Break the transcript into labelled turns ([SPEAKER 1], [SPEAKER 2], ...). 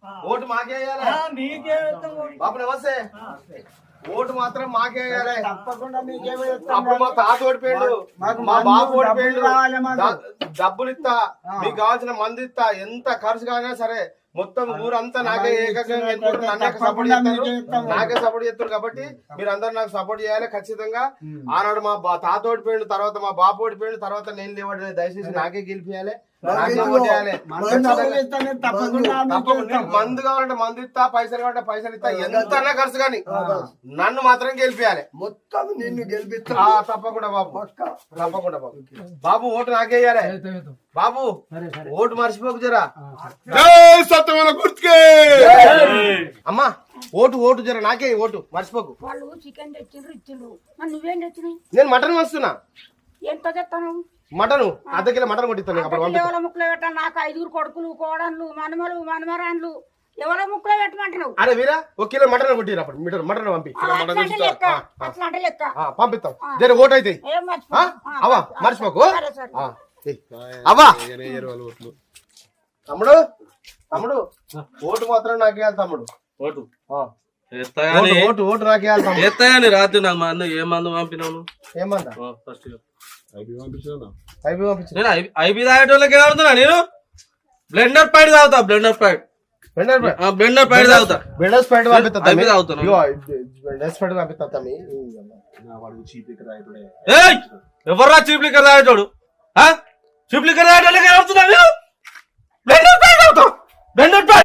[SPEAKER 1] Vote మాకే బాబు నమస్తే. Vote మాత్రం మాకే
[SPEAKER 2] తప్పకుండా మీకేమో
[SPEAKER 1] అప్పుడు మా తాత ఓడిపోయాడు, మా బాబు ఓడిపోయాడు. డబ్బులు ఇస్తా, మీకు కావాల్సిన మంది ఇస్తా, ఎంత ఖర్చు కాదైనా సరే మొత్తం ఊరంతా నాకే ఏకంగా సపోర్ట్ చేస్తారు, నాకే సపోర్ట్ చేస్తారు. కాబట్టి మీరు అందరు నాకు సపోర్ట్ చేయాలి ఖచ్చితంగా. ఆనాడు మా తాత ఓడిపోయాడు, తర్వాత మా బాబు ఓడిపోయాడు, తర్వాత నేను లేవాడు. దయచేసి నాకే గెలిపియాలి, నాకే సపోర్ట్ చేయాలి. మందు కావాలంటే మందు ఇస్తా, పైసలు కావాలంటే పైసలు ఇస్తా, ఎంత అన్నా ఖర్చు కానీ నన్ను మాత్రం గెలిపియాలి.
[SPEAKER 2] మొత్తం నిన్ను గెలిపిస్తా.
[SPEAKER 1] తప్పకుండా బాబు, తప్పకుండా బాబు. బాబు ఓటు నాకేయాలి బాబు, ఓటు మర్చిపోకు జరా. అమ్మా ఓటు ఓటు జర నాకే ఓటు మర్చిపోకు.
[SPEAKER 3] వాళ్ళు చికెన్ తెచ్చిండ్రు ఇచ్చిండ్రు, నువ్వేం తెచ్చినావు?
[SPEAKER 1] నేను మటన్ వస్తున్నా.
[SPEAKER 3] ఎంత చెప్తాను?
[SPEAKER 1] మటన్ అర్ధ కిలో మటన్ కొట్టిస్తాను.
[SPEAKER 3] ఎవరి ముక్కలో పెట్టా? నాకు 5 కొడుకులు, కోడన్లు, మనమలు, మనమరాన్లు, ఎవరో ముక్కలో పెట్టమంటున్నావు?
[SPEAKER 1] అరే వీరా, 1 కిలో మటన్ కొట్టిరా. మటన్ పంపి,
[SPEAKER 3] అట్లా లెక్క
[SPEAKER 1] పంపిస్తాం. జర ఓటు అయితే అవా మర్చిపోకు. అవ్వా తమ్ముడు, తమ్ముడు ఓటు మాత్రం నాకేయాలి తమ్ముడు.
[SPEAKER 4] ఓటు
[SPEAKER 1] ఓటు ఓటు నాకేయాలి తమ్ముడు.
[SPEAKER 4] ఎత్తాయని రాత్రి నాకు మందు ఏ మందు పంపినావు?
[SPEAKER 1] ఏమందా
[SPEAKER 4] ఫస్ట్
[SPEAKER 1] పంపించిన
[SPEAKER 4] ఐబీ తాగేటోళ్ళకి ఏమవుతున్నా నేను బ్లెండర్ ప్యాడ్ తాగుతా. బ్లెండర్ ప్యాడ్ తాగుతా.
[SPEAKER 1] బెండర్స్ ప్యాడ్ పంపిస్తా.
[SPEAKER 4] ఐబీ తాగుతాను.
[SPEAKER 1] బెండర్స్ ప్యాడ్ పంపిస్తా.
[SPEAKER 4] ఎవర్రా చీప్ లిక్కర్ తాగేటోడు? చీప్ లిక్కర్ తాగేటోళ్ళకి ఏమవుతున్నా? బ్లెండర్ ప్యాడ్ తాగుతా. Blender pad